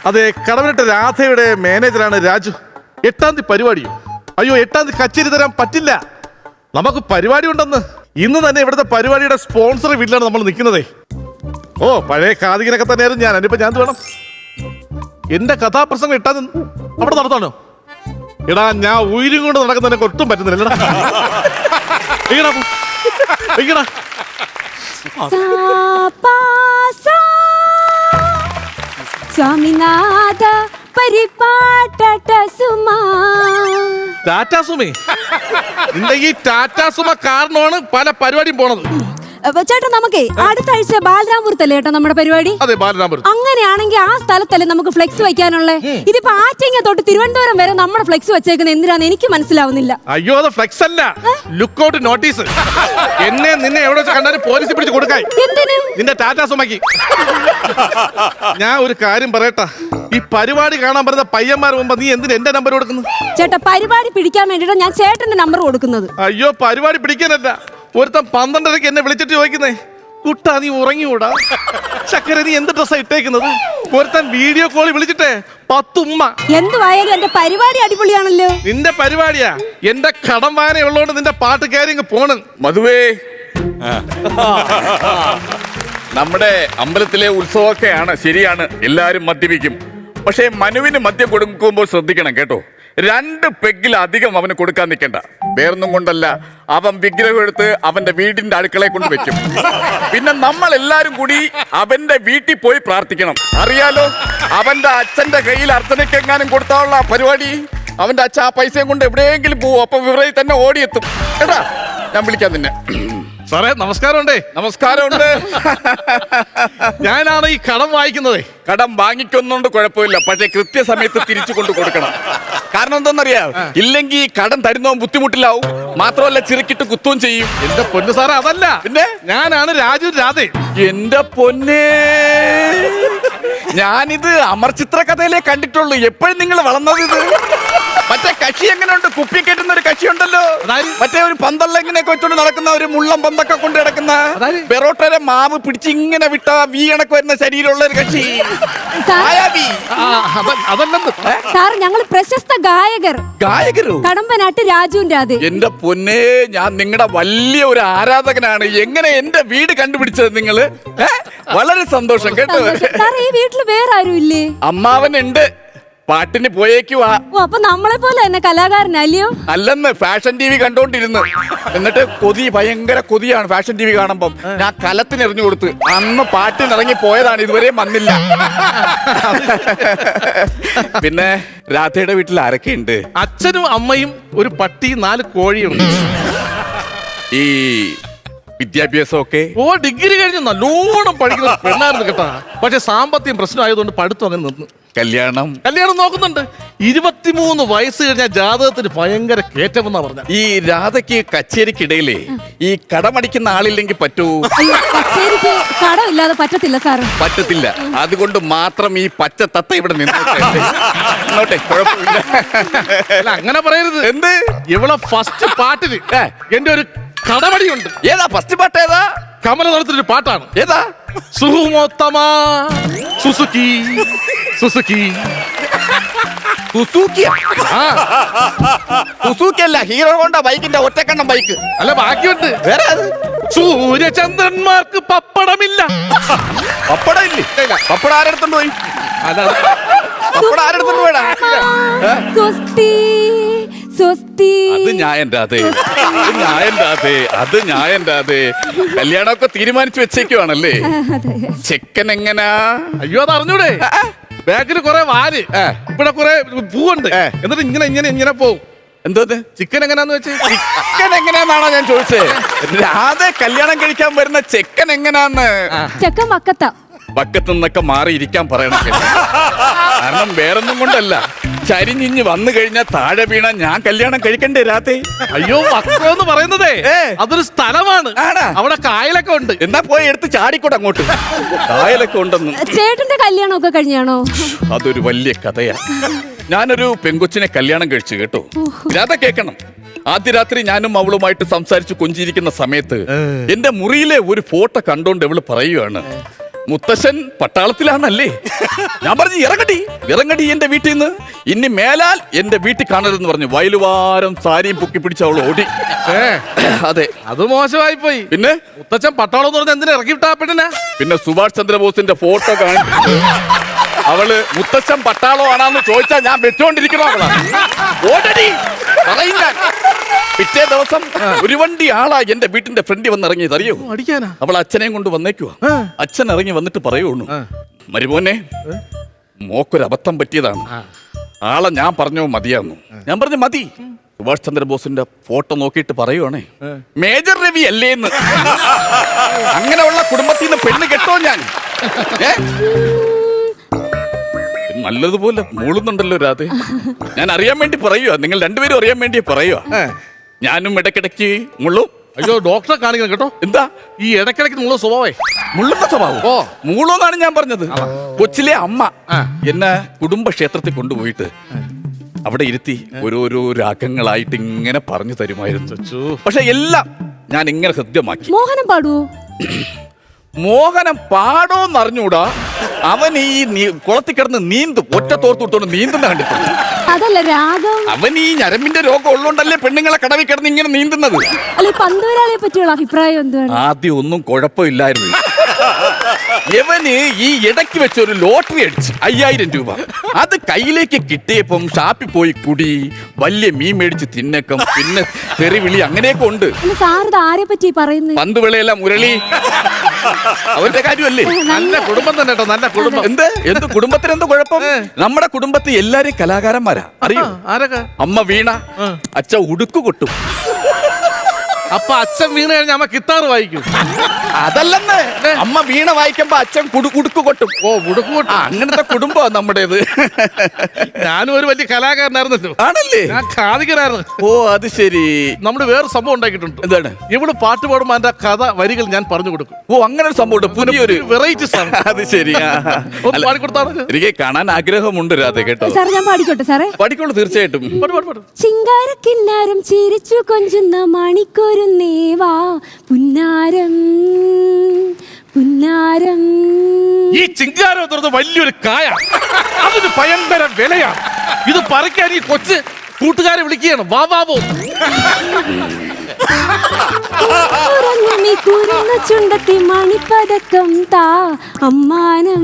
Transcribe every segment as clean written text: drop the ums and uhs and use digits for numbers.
അതെ, കടമനിട്ട രാധയുടെ മാനേജറാണ് രാജു. 8-ാം തീയതി പരിപാടിയോ? അയ്യോ, 8-ാം തീയതി കച്ചേരി തരാൻ പറ്റില്ല. നമുക്ക് പരിപാടി ഉണ്ടെന്ന്. ഇന്ന് തന്നെ ഇവിടുത്തെ പരിപാടിയുടെ സ്പോൺസർ വീട്ടിലാണ് നമ്മൾ നിൽക്കുന്നതേ. ഓ, പഴയ കാതികനൊക്കെ തന്നെയായിരുന്നു ഞാൻ. അതിനിപ്പോ ഞാൻ വേണം എന്റെ കഥാപ്രസംഗം 8-ാം തീയതി അവിടെ നടത്താനോ? എടാ, ഞാൻ ഉയരും കൊണ്ട് നടക്കുന്നതിനൊക്കെ ഒട്ടും പറ്റുന്നില്ല. സ്വാമിനാഥ പരിപാട്ട സുമാ. ടാറ്റാ സുമേ, നിന്റെ ഈ ടാറ്റാ സുമ കാരണമാണ് പല പരിപാടിയും പോണത്. ചേട്ടാ, നമുക്കേ അടുത്ത ആഴ്ച ബാലരാമപുരത്തല്ലേ ചേട്ടാ നമ്മുടെ പരിപാടി? അതെ, ബാലരാമപുരത്ത്. അങ്ങനെയാണെങ്കിൽ ആ സ്ഥലത്തല്ലേ നമുക്ക് ഫ്ലെക്സ് വെക്കാനുള്ളേ? ഇതിപ്പോ ആറ്റിങ്ങ തൊട്ട് തിരുവനന്തപുരം വരെ നമ്മുടെ ഫ്ലെക്സ് വെച്ചേക്കുന്നത് എന്തിനാന്ന് എനിക്ക് മനസ്സിലാവുന്നില്ല. അയ്യോ, അത് ഫ്ലെക്സ് അല്ല, ലുക്കൗട്ട് നോട്ടീസ്. എന്നെ നിന്നെ എവിടെ വെച്ച് കണ്ടാലും പോലീസ് പിടിച്ച് കൊടുക്കായി. എന്തിന്? നിന്റെ ടാറ്റാ സുമയ്ക്ക്. ഞാൻ ഒരു കാര്യം പറയട്ടാ, ഈ പരിപാടി കാണാൻ പറയുന്ന പയ്യന്മാർ മുമ്പ് നീ എന്തിന് എന്റെ നമ്പർ കൊടുക്കുന്നത്? ചേട്ടാ, പരിപാടി പിടിക്കാൻ വേണ്ടിട്ടാ ഞാൻ ചേട്ടന്റെ നമ്പർ കൊടുക്കുന്നത്. അയ്യോ, പരിപാടി പിടിക്കാനല്ല. ഒരുത്തൻ 12:30 എന്നെ വിളിച്ചിട്ട് ചോദിക്കുന്നേ, കുട്ടാ നീ ഉറങ്ങികൂടാ? ചക്കര നീ എന്ത് ഡ്രസ്സാ ഇട്ടേക്കുന്നത്? ഒരുത്തൻ വീഡിയോ കോളിൽ വിളിച്ചിട്ടേ 10 ഉമ്മ. എന്തുവായാലും എന്റെ പരിപാടി അടിപൊളിയാണല്ലോ. നിന്റെ പരിപാടിയാ. എന്റെ കടം വായന ഉള്ളതുകൊണ്ട് നിന്റെ പാട്ട് കയറി ഇങ്ങ് പോണ്. മധുവേ, നമ്മുടെ അമ്പലത്തിലെ ഉത്സവമൊക്കെയാണ്, ശരിയാണ്, എല്ലാരും മദ്യപിക്കും. പക്ഷേ മനുവിന് മദ്യം കൊടുക്കുമ്പോൾ ശ്രദ്ധിക്കണം കേട്ടോ. 2 പെഗ്ഗിലധികം അവന് കൊടുക്കാൻ നിൽക്കണ്ട. വേറൊന്നും കൊണ്ടല്ല, അവൻ വിഗ്രഹം എടുത്ത് അവന്റെ വീടിന്റെ അടുക്കളയെ കൊണ്ട് വെക്കും. പിന്നെ നമ്മൾ എല്ലാരും കൂടി അവന്റെ വീട്ടിൽ പോയി പ്രാർത്ഥിക്കണം. അറിയാലോ, അവന്റെ അച്ഛന്റെ കയ്യിൽ അർച്ചനയ്ക്കെങ്ങാനും കൊടുത്താനുള്ള പരിപാടി. അവന്റെ അച്ഛൻ ആ പൈസയും കൊണ്ട് എവിടെയെങ്കിലും പോവും. അപ്പൊ വിവരയിൽ തന്നെ ഓടിയെത്തും കേട്ടാ. ഞാൻ വിളിക്കാം നിന്നെ. സാറേ, നമസ്കാരമുണ്ടേ. നമസ്കാരമുണ്ട്. ഞാനാണ് ഈ കടം വായിക്കുന്നത്. കടം വാങ്ങിക്കൊന്നുകൊണ്ട് കുഴപ്പമില്ല, പക്ഷേ കൃത്യസമയത്ത് തിരിച്ചു കൊണ്ട് കൊടുക്കണം. കാരണം എന്താണെന്നറിയാം, ഇല്ലെങ്കിൽ കടം തരുന്നവൻ ബുദ്ധിമുട്ടിലാവും. മാത്രമല്ല, ചിറക്കിട്ട് കുത്തുകയും ചെയ്യും. എന്റെ പൊന്നു സാറേ, അതല്ല, പിന്നെ ഞാനാണ് രാജു രാധേ. എന്റെ പൊന്നേ, ഞാനിത് അമർ ചിത്ര കഥയിലേ കണ്ടിട്ടുള്ളൂ. എപ്പോഴും നിങ്ങൾ വളർന്നത് ഇത്. മറ്റേ കക്ഷി എങ്ങനെയുണ്ട്? കുപ്പി കെട്ടുന്ന ഒരു കക്ഷി ഉണ്ടല്ലോ, മറ്റേ ഒരു പന്തല്ല ഇങ്ങനെയൊക്കെ വെച്ചോണ്ട് നടക്കുന്ന, ഒരു മുള്ളം പന്തൊക്കെ കൊണ്ട് കിടക്കുന്ന, പെറോട്ടയുടെ മാവ് പിടിച്ച് ഇങ്ങനെ വിട്ട വി കണക്ക് വരുന്ന ശരീരമുള്ള ഒരു കക്ഷി. സാർ, ഞങ്ങൾ പ്രശസ്ത ഗായകരോ? കടമ്പനാട്ട് രാജുവിന്റെ രാധേ. എന്റെ പൊന്നേ, ഞാൻ നിങ്ങളുടെ വലിയ ഒരു ആരാധകനാണ്. എങ്ങനെ എന്റെ വീട് കണ്ടുപിടിച്ചത് നിങ്ങള്? വളരെ സന്തോഷം കേട്ടോ. സാർ, ഈ വീട്ടിൽ വേറെ ആരും ഇല്ലേ? അമ്മാവനുണ്ട്, പാട്ടിന് പോയേക്കുവാ. അപ്പൊ നമ്മളെ പോലെ തന്നെ കലാകാരനല്ലയോ? അല്ലെന്ന്, ഫാഷൻ ടി വി കണ്ടോണ്ടിരുന്നു. എന്നിട്ട് ഭയങ്കര കൊതിയാണ് ഫാഷൻ ടി വി കാണുമ്പം. ഞാൻ കലത്തിന് എറിഞ്ഞു കൊടുത്ത് അന്ന് പാട്ടിനിറങ്ങി പോയതാണ്, ഇതുവരെ വന്നില്ല. പിന്നെ രാധയുടെ വീട്ടിൽ ആരൊക്കെയുണ്ട്? അച്ഛനും അമ്മയും ഒരു പട്ടിയും 4 കോഴിയുണ്ട്. ഈ വിദ്യാഭ്യാസമൊക്കെ? ഓ, ഡിഗ്രി കഴിഞ്ഞ് നല്ലോണം പഠിക്കുന്ന പെണ്ണായിരുന്നു കേട്ടാ. പക്ഷെ സാമ്പത്തികം പ്രശ്നമായതുകൊണ്ട് പഠിത്തം അങ്ങനെ നിന്നു. കല്യാണം നോക്കുന്നുണ്ട്. 23 വയസ്സ് കഴിഞ്ഞ ജാതകത്തിന് ഭയങ്കര കയറ്റമെന്നാ പറഞ്ഞ. ഈ രാധയ്ക്ക് കച്ചേരിക്കിടയിലേ ഈ കടമടിക്കുന്ന ആളില്ലെങ്കിൽ പറ്റൂ? കച്ചേരിക്ക് കടമില്ലാതെ പറ്റത്തില്ല സാർ. പറ്റത്തില്ല. അതുകൊണ്ട് മാത്രം ഈ പച്ച തത്ത ഇവിടെ നിന്നോട്ടെ, കുഴപ്പമില്ല. അല്ല, അങ്ങനെ പറയരുത്. എന്ത്? ഇവളെ ഫസ്റ്റ് പാട്ടിന് എന്റെ ഒരു കടമടിയുണ്ട്. ഏതാ ഫസ്റ്റ് പാട്ട്? ഏതാ? കമലനടത്തിലൊരു പാട്ടാണ്. ഏതാ? സുഹുമോത്തമ സുസുക്കി സുസുക്കി സുസുക്കി അല്ല, ഹീറോ ഹോണ്ട ബൈക്കിന്റെ ഒറ്റക്കണ്ണം ബൈക്ക്. അല്ല, ബാക്കിയുണ്ട്. വേറെ? സൂര്യചന്ദ്രന്മാർക്ക് പപ്പടമില്ല. പപ്പടം ഇല്ലേ? പപ്പടം ആരെടുത്തോണ്ട് പോയി? പപ്പടം ആരെടുത്തോണ്ട് പോയടാ? അത് ഞാൻ കല്യാണമൊക്കെ തീരുമാനിച്ചു വെച്ചേക്കുവാണല്ലേ? ചെക്കൻ എങ്ങനാ? അയ്യോ, അത് അറിഞ്ഞൂടെ? ബാക്കിൽ കുറെ വാല്, ഇവിടെ കുറെ പൂവുണ്ട്. എന്നിട്ട് ഇങ്ങനെ പോവും. എന്തോ ചിക്കൻ എങ്ങനാന്ന് വെച്ച്? ചിക്കൻ എങ്ങനെയാന്നാണോ ഞാൻ ചോദിച്ചത്? രാധ കല്യാണം കഴിക്കാൻ വരുന്ന ചെക്കൻ എങ്ങനാന്ന്? ചെക്കൻ പക്കത്തു നിന്നൊക്കെ മാറിയിരിക്കാൻ പറയണം. കാരണം വേറൊന്നും കൊണ്ടല്ല, ചരിഞ്ഞിഞ്ഞ് വന്നു കഴിഞ്ഞാൽ താഴെ വീണ ഞാൻ കല്യാണം കഴിക്കണ്ടേ രാധേ? അയ്യോ, വക്കം പറയുന്നതേ അതൊരു സ്ഥലമാണ്. അവിടെ കായലൊക്കെ ഉണ്ട്. എന്നാ പോയി എടുത്ത് ചാടിക്കോട്ടെ അങ്ങോട്ട്. കായലൊക്കെ ഉണ്ടെന്ന്. ചേട്ടന്റെ കല്യാണമൊക്കെ കഴിഞ്ഞാണോ? അതൊരു വലിയ കഥയാ. ഞാനൊരു പെങ്കൊച്ചിനെ കല്യാണം കഴിച്ചു കേട്ടോ. രാധ കേക്കണം. ആദ്യ രാത്രി ഞാനും അവളുമായിട്ട് സംസാരിച്ച് കൊഞ്ചിരിക്കുന്ന സമയത്ത് എന്റെ മുറിയിലെ ഒരു ഫോട്ടോ കണ്ടോണ്ട് അവള് പറയുകയാണ്, മുത്തശ്ശൻ പട്ടാളത്തിലാണല്ലേ? ഞാൻ പറഞ്ഞു ഇറങ്ങടി എന്റെ വീട്ടിൽ നിന്ന്. ഇനി മേലാൽ എന്റെ വീട്ടിൽ കാണരുതെന്ന് പറഞ്ഞു. വയലുവാരം സാരിയും പൊക്കി പിടിച്ച് അവൾ ഓടി. അതെ, അത് മോശമായി പോയി. പിന്നെ മുത്തച്ഛൻ പട്ടാളം എന്ന് പറഞ്ഞ എന്തിനാ ഇറക്കി വിട്ടാ പെണ്ണിനെ? പിന്നെ സുഭാഷ് ചന്ദ്രബോസിന്റെ ഫോട്ടോ കാണിച്ചു അവള് മുത്തച്ഛൻ പട്ടാളോ ആണെന്ന് ചോദിച്ചാൽ ഞാൻ വെച്ചോണ്ടിരിക്കണോ അവളാണ്. ഓടടി പറയും ഞാൻ. പിറ്റേ ദിവസം ഒരു വണ്ടി ആളാ എന്റെ വീട്ടിന്റെ ഫ്രണ്ടിൽ വന്ന് ഇറങ്ങിയത് അറിയോ? അടിക്കാനാ? അവൾ അച്ഛനെയും കൊണ്ട് വന്നേക്കുവാ. അച്ഛൻ ഇറങ്ങി വന്നിട്ട് പറയുള്ളൂ, മരുമോനെ മോക്കൊരു അബദ്ധം പറ്റിയതാണ്. ആളെ ഞാൻ പറഞ്ഞോ മതിയാന്നു. ഞാൻ പറഞ്ഞു മതി. സുഭാഷ് ചന്ദ്രബോസിന്റെ ഫോട്ടോ നോക്കിയിട്ട് പറയുവാണേ, മേജർ രവി അല്ലേന്ന്. അങ്ങനെയുള്ള കുടുംബത്തിൽ നിന്ന് പെണ്ണ് കെട്ടോ ഞാൻ? നല്ലതുപോലെ മൂളുന്നുണ്ടല്ലോ രാധേ. ഞാൻ അറിയാൻ വേണ്ടി പറയുക, നിങ്ങൾ രണ്ടുപേരും അറിയാൻ വേണ്ടി പറയുക. ഞാനും ഇടയ്ക്കിടയ്ക്ക് മുള്ളും. അയ്യോ, ഡോക്ടറെ കാണിക്കണം കേട്ടോ. എന്താ ഈ ഇടയ്ക്കിടയ്ക്ക് മുള്ള സ്വഭാവേ? മുള്ളുന്ന സ്വഭാവം? ഓ, മൂളോന്നാണ് ഞാൻ പറഞ്ഞത്. കൊച്ചിലെ അമ്മ എന്നെ കുടുംബക്ഷേത്രത്തിൽ കൊണ്ടുപോയിട്ട് അവിടെ ഇരുത്തി ഓരോരോ രാഗങ്ങളായിട്ട് ഇങ്ങനെ പറഞ്ഞു തരുമായിരുന്നു. പക്ഷെ എല്ലാം ഞാൻ ഇങ്ങനെ ഹൃദ്യമാക്കി. മോഹനം പാടുവോ? മോഹനം പാടോന്ന് അറിഞ്ഞൂടാ. അവൻ ഈ കുളത്തിൽ കിടന്ന് നീന്തും. ഒറ്റ തോർത്തുവിട്ടോണ്ട് നീന്തുന്ന കണ്ടിട്ടുണ്ട്. അതല്ല രാഗം. അവൻ ഈ ഞരമ്പിന്റെ രോഗം ഉള്ളോണ്ടല്ലേ പെണ്ണുങ്ങളെ കടവിൽ കിടന്ന് ഇങ്ങനെ നീന്തുന്നത്. അല്ല, പന്തുവരാളിയെ പറ്റിയുള്ള അഭിപ്രായം എന്തുവാണ്? ആദ്യം ഒന്നും കുഴപ്പമില്ലായിരുന്നു. ഇവന് ഈ ഇടയ്ക്ക് വെച്ച് ഒരു ലോട്ടറി അടിച്ച് 5000 രൂപ. അത് കയ്യിലേക്ക് കിട്ടിയപ്പം ഷാപ്പിൽ പോയി കുടി, വലിയ മീൻ മേടിച്ച് തിന്നക്കം, പിന്നെ തെറിവിളി, അങ്ങനെയൊക്കെ ഉണ്ട്. സാറിത് ആരെ പറ്റി പറയുന്നത്? പന്തുവിളയെല്ലാം മുരളി അവന്റെ കാര്യമല്ലേ? നല്ല കുടുംബം തന്നെ കേട്ടോ, നല്ല കുടുംബം. എന്ത് കുടുംബത്തിന് എന്ത് കുഴപ്പം? നമ്മുടെ കുടുംബത്തിൽ എല്ലാരും കലാകാരന്മാരാ. അറിയോ? ആരൊക്കെ? അമ്മ വീണ, അച്ഛൻ ഉടുക്കു കൊട്ടും. അപ്പൊ അച്ഛൻ വീണ് കഴിഞ്ഞാൽ അമ്മ ഗിത്താർ വായിക്കും? അതല്ലെന്ന്, അമ്മ വീണ വായിക്കുമ്പോ അച്ഛൻ ഉടുക്കു കൊട്ടും. ഓ, ഉടുക്കു കൊട്ടും. അങ്ങനത്തെ കുടുംബമാണ് നമ്മുടേത്. ഞാനും ഒരു വലിയ കലാകാരനായിരുന്നല്ലോ. ആണല്ലേ? ഞാൻ ഖാദികനായിരുന്നു. ഓ, അത് ശരി. നമ്മള് വേറെ സംഭവം ഉണ്ടാക്കിയിട്ടുണ്ട്. എന്താണ്? ഇവിടെ പാട്ട് പാടുമ്പോ അതിന്റെ കഥ വരികൾ ഞാൻ പറഞ്ഞു കൊടുക്കും. ഓ, അങ്ങനെ ഒരു സംഭവം, പുതിയൊരു വെറൈറ്റി സാധനം. അത് ശരിയാ. പാടിക്കൊടുത്താണ്. എനിക്ക് കാണാൻ ആഗ്രഹമുണ്ട് രാധ, കേട്ടോ. സാറേ, ഞാൻ പാടിക്കോട്ടെ സാറേ? പഠിക്കുള്ളൂ, തീർച്ചയായിട്ടും. ചിങ്കാരക്കിന്നാരം ചിരിച്ചു കൊഞ്ചുന്ന മണിക്കൊരു നേവാ പുന്നാരം പുന്നാരം. ഈ ചിങ്കാരം എന്ന് പറയുന്നത് വലിയൊരു കായ, അതിന് ഭയങ്കര വിലയാണ്. ഇത് പറിക്കാൻ ഈ കൊച്ച് കൂട്ടുകാരെ വിളിക്കുകയാണ്, വാ വാവോ. ചുണ്ടത്തി മണിപ്പതക്കം താ അമ്മാനം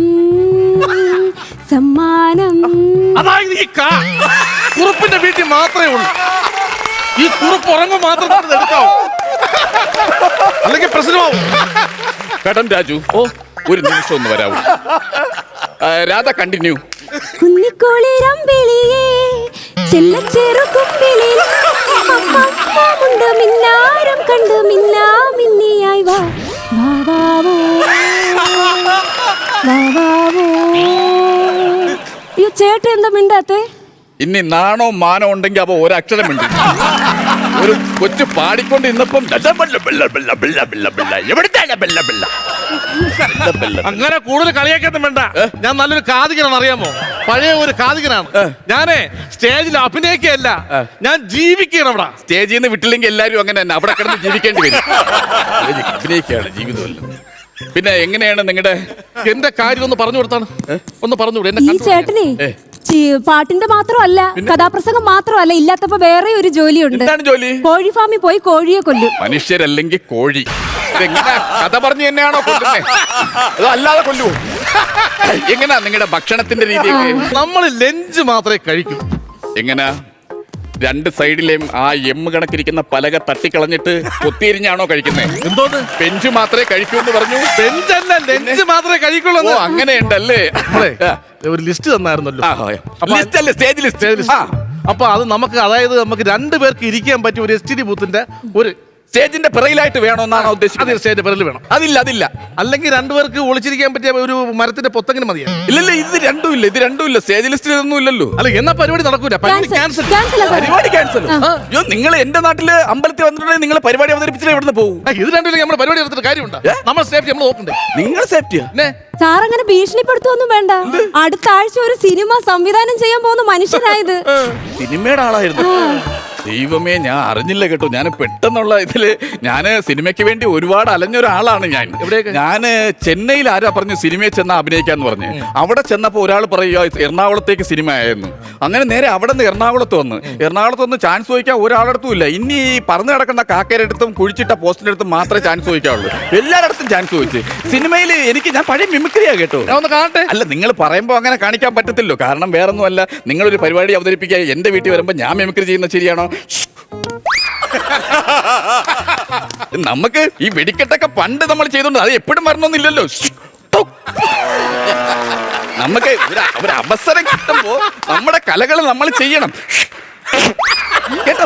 സമ്മാനം. അതായത് ഈ കുറുപ്പിന്റെ വീട്ടിൽ മാത്രമേ ഉള്ളൂ. ഈ കുറുപ്പ് ഉറങ്ങും മാത്രം എടുക്കാവൂ, അല്ലെങ്കിൽ പ്രശ്നമാവും. കടം രാജു, ഓ ഒരു നിമിഷം ഒന്ന് വരാവൂ. രാധ, കണ്ടിന്യൂ. കുന്നിക്കോളിരമ്പിളിയേ ചെല്ലച്ചേറു കുമ്പിളിൽ അമ്മമുണ്ട് മിന്നാരം കണ്ട് മിന്നാ മിന്നിയായി വാ വാവാവോ വാവാവോ. അയ്യോ ചേട്ടൻ എന്താ മിണ്ടാത്തെ? ഇനി നാണോ മാനോ ഉണ്ടെങ്കിൽ അവ ഒരക്ഷരം ഉണ്ട്. ഒരു കൊച്ചു പാടിക്കൊണ്ട് ഇന്നപ്പം അങ്ങനെ കൂടുതൽ കളിയാക്കൊന്നും വേണ്ട. ഞാൻ നല്ലൊരു കാതികനാണ്, അറിയാമോ? പഴയ ഒരു കാതികനാണ്. ഞാനേ സ്റ്റേജിൽ അഭിനയിക്കുകയല്ല, ഞാൻ ജീവിക്കുകയാണ്. അവിടെ സ്റ്റേജിൽ നിന്ന് വിട്ടില്ലെങ്കിൽ എല്ലാരും അങ്ങനെ തന്നെ അവിടെ കിടന്ന് ജീവിക്കേണ്ടി വരും. അഭിനയിക്കുകയാണ് ജീവിതമല്ല. പിന്നെ എങ്ങനെയാണ് നിങ്ങളുടെ എന്റെ കാര്യം ഒന്ന് പറഞ്ഞു കൊടുത്താണ്? ഒന്ന് പറഞ്ഞുകൂടെ? ഈ ചേട്ടനെ പാട്ടിന്റെ മാത്രമല്ല, കഥാപ്രസംഗം മാത്രമല്ല, ഇല്ലാത്തപ്പോ വേറെ ഒരു ജോലിയുണ്ട്. എന്താണ് ജോലി? കോഴി ഫാമിൽ പോയി കോഴിയെ കൊല്ലും. മനുഷ്യരല്ലെങ്കിൽ കോഴി. ഇതെങ്ങനെ കഥ പറഞ്ഞു തന്നെയാണോ കൊല്ലുന്നേ? അതോ അല്ലാതെ കൊല്ലുവോ? എങ്ങനാ നിങ്ങളുടെ ഭക്ഷണത്തിന്റെ രീതി? നമ്മൾ ലഞ്ച് മാത്രമേ കഴിക്കൂ. എങ്ങനാ? രണ്ട് സൈഡിലെയും ആ എമ്മ് കണക്കിരിക്കുന്ന പലക തട്ടിക്കളഞ്ഞിട്ട് കൊത്തിരിഞ്ഞാണോ കഴിക്കുന്നത്? എന്തോന്ന്? ബെഞ്ച് മാത്രമേ കഴിക്കൂ എന്ന് പറഞ്ഞു. ബെഞ്ചല്ല, ലഞ്ച് മാത്രമേ കഴിക്കുള്ളൂ. ഓ, അങ്ങനെയുണ്ടല്ലേ? ഒരു ലിസ്റ്റ് തന്നായിരുന്നല്ലോ. ലിസ്റ്റ് അല്ലേ? Stage list. അപ്പൊ അത് നമുക്ക്, അതായത് നമുക്ക് 2 പേർക്ക് ഇരിക്കാൻ പറ്റിയ ഒരു STD ബൂത്തിന്റെ ഒരു സ്റ്റേജിന്റെ പിറയിലായിട്ട് വേണമെന്നാണ് ഉദ്ദേശിക്കുന്നത്. സ്റ്റേജിന്റെ പിറകിൽ വേണം. അതില്ല. അല്ലെങ്കിൽ 2 പേർക്ക് ഒളിച്ചിരിക്കാൻ പറ്റിയ ഒരു മരത്തിന്റെ പൊത്തെങ്കിലും മതിയാണ്. ഇല്ലല്ല, ഇത് രണ്ടും ഇല്ല. സ്റ്റേജ് ലിസ്റ്റിൽ ഇതൊന്നും ഇല്ലല്ലോ. അല്ല, എന്നാ പരിപാടി നടക്കൂല. ക്യാൻസൽ. പരിപാടി ക്യാൻസൽ. അയ്യോ, നിങ്ങൾ എന്റെ നാട്ടില് അമ്പലത്തിൽ വന്നിട്ടുണ്ടെങ്കിൽ നിങ്ങൾ പരിപാടി അവതരിപ്പിച്ചിട്ട് എവിടെ പോകും? ഇത് രണ്ടും നമ്മുടെ പരിപാടി എടുത്തിട്ട് കാര്യമുണ്ട്. നമ്മൾ സേഫ്റ്റി നമ്മൾ നോക്കണ്ടേ? നിങ്ങൾ സേഫ്റ്റിയാ? സാർ അങ്ങനെ ഭീഷണിപ്പെടുത്തൊന്നും വേണ്ട. അടുത്ത ആഴ്ച ഒരു സിനിമ സംവിധാനം ചെയ്യാൻ പോകുന്ന മനുഷ്യനായത്. സിനിമയുടെ ആളായിരുന്നു. ദൈവമേ, ഞാൻ അറിഞ്ഞില്ല കേട്ടോ. ഞാൻ പെട്ടെന്നുള്ള ഇതില് ഞാൻ സിനിമയ്ക്ക് വേണ്ടി ഒരുപാട് അലഞ്ഞ ഒരാളാണ് ഞാൻ. ഞാൻ ചെന്നൈയിൽ ആരാ പറഞ്ഞു സിനിമയിൽ ചെന്ന അഭിനയിക്കാന്ന് പറഞ്ഞ്. അവിടെ ചെന്നപ്പോ ഒരാൾ പറയുക എറണാകുളത്തേക്ക് സിനിമ ആയിരുന്നു. അങ്ങനെ നേരെ അവിടെ നിന്ന് എറണാകുളത്ത് വന്ന് ചാൻസ് ചോദിക്കാൻ ഒരാളടുത്തും ഇല്ല. ഇനി ഈ പറന്ന് കിടക്കുന്ന കാക്കയുടെ അടുത്തും കുഴിച്ചിട്ട പോസ്റ്റിന്റെ അടുത്തും മാത്രമേ ചാൻസ് ചോദിക്കാവുള്ളൂ. എല്ലായിടത്തും ചാൻസ് ചോദിച്ചു. സിനിമയിൽ ഞാൻ പഴയ മിമിക്രിയാ കേട്ടോ. ഒന്ന് കാണട്ടെ. അല്ല, നിങ്ങൾ പറയുമ്പോൾ അങ്ങനെ കാണിക്കാൻ പറ്റത്തില്ലോ. കാരണം വേറൊന്നും അല്ല, നിങ്ങളൊരു പരിപാടി അവതരിപ്പിക്കാൻ എന്റെ വീട്ടിൽ വരുമ്പോൾ ഞാൻ മിമിക്രി ചെയ്യുന്നത് ശരിയാണോ? നമുക്ക് ഈ വെടിക്കെട്ടൊക്കെ പണ്ട് നമ്മൾ ചെയ്തോണ്ട് അത് എപ്പോഴും വരണമെന്നില്ലല്ലോ. നമുക്ക് ഒരു അവസരം കിട്ടുമ്പോ നമ്മുടെ കലകൾ നമ്മൾ ചെയ്യണം കേട്ടോ.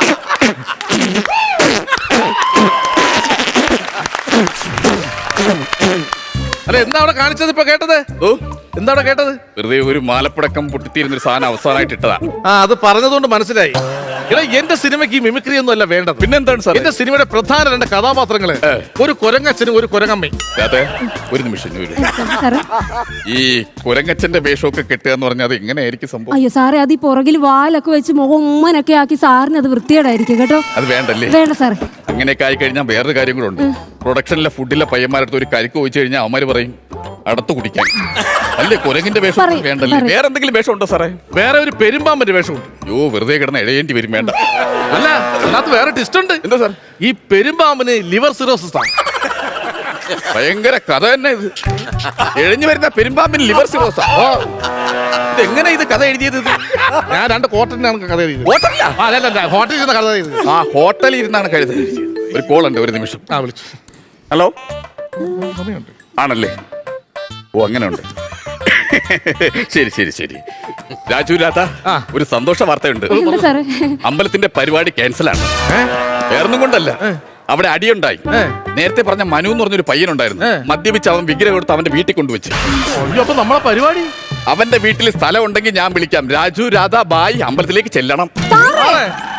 അല്ല, എന്താ അവിടെ കാണിച്ചത് ഇപ്പൊ കേട്ടത്? ഓ, എന്താ അവിടെ കേട്ടത്? വെറുതെ ഒരു മാലപ്പടക്കം പൊട്ടിത്തീരുന്നൊരു സാധനം അവസാനമായിട്ട് ഇട്ടതാ. അത് പറഞ്ഞതുകൊണ്ട് മനസ്സിലായി. എടാ, എന്റെ സിനിമയ്ക്ക് ഈ മിമിക്രി ഒന്നും അല്ല വേണ്ടത്. പിന്നെന്താണ് സാർ? എന്റെ സിനിമയുടെ പ്രധാന 2 കഥാപാത്രങ്ങള് ഒരു കുരങ്ങച്ചനും ഒരു കുരങ്ങമ്മയും. അതെ, ഒരു നിമിഷം. സാറേ ഈ കുരങ്ങച്ചന്റെ വേഷമൊക്കെ കെട്ടുക എന്ന് പറഞ്ഞാൽ അത് എങ്ങനെയായിരിക്കും സംഭവം? അയ്യോ സാറേ, അത് ഈ പുറകിൽ വാലൊക്കെ വെച്ച് മുഖം ഉമ്മനൊക്കെ ആക്കി സാറിന് അത് വൃത്തികേടായിരിക്കും കേട്ടോ. അത് വേണ്ടല്ലേ? വേണ്ട സാറേ. അങ്ങനെയൊക്കെ ആയി കഴിഞ്ഞാൽ വേറൊരു കാര്യം കൂടെ ഉണ്ട്. പ്രൊഡക്ഷനിലെ ഫുഡിലെ പയ്യന്മാരടുത്ത് ഒരു കരിക്ക് ചോദിച്ചു കഴിഞ്ഞാൽ അവന്മാര് പറയും അടുത്ത് കുടിക്കാൻ. അല്ലേ, കുരങ്ങിന്റെ വേഷം പറയ്, വേണ്ടല്ലേ? പറയ്. വേറെ എന്തെങ്കിലും വേഷം ഉണ്ടോ സാറേ? വേറെ ഒരു പെരുമ്പാമ്പന്റെ വേഷമുണ്ട്. യോ, വെറുതെ കിടന്ന് എഴയേണ്ടി വരും. വേണ്ട. അല്ല, അതിനകത്ത് വേറെ ടിസ്റ്റ് ഉണ്ട്. എന്താ സാർ? ഈ പെരുമ്പാമ്പിന് ലിവർ സിറോസിസ് ആണ്. ഭയങ്കര കഥ തന്നെ ഇത്. എഴഞ്ഞു വരുന്ന പെരുമ്പാമ്പിന് ലിവർ സിറോസാ. ഇതെങ്ങനെ ഇത് കഥ എഴുതിയത്? ഞാൻ 2 കോട്ടനാണ് കഥ എഴുതിയത്. ഹോട്ടലിലാ? അല്ല, ഹോട്ടലിൽ ഇരുന്ന കഥ എഴുതിയത്. ആ, ഹോട്ടലിൽ ഇരുന്നാണ് കഴുത എഴുതിയത്. ഒരു കോൾ ഉണ്ട്, ഒരു നിമിഷം. വിളിച്ചു. ഹലോ. സമയമുണ്ട്. ആണല്ലേ? ഓ, അങ്ങനെ ഉണ്ട്. ശരി. രാജു രാധ, ഒരു സന്തോഷ വാർത്തയുണ്ട്. എന്താ സാറേ? അമ്പലത്തിന്റെ പരിപാടി ക്യാൻസലാണ്. വേറൊന്നും കൊണ്ടല്ല, അവിടെ അടിയുണ്ടായി. നേരത്തെ പറഞ്ഞ മനു എന്ന് പറഞ്ഞൊരു പയ്യനുണ്ടായിരുന്നു. മദ്യപിച്ച് അവൻ വിഗ്രഹം എടുത്ത് അവന്റെ വീട്ടിൽ കൊണ്ടുവച്ച്. അപ്പൊ നമ്മളെ പരിപാടി അവന്റെ വീട്ടിൽ സ്ഥലം ഉണ്ടെങ്കിൽ ഞാൻ വിളിക്കാം. രാജു രാധ ബായ് അമ്പലത്തിലേക്ക് ചെല്ലണം. സാറേ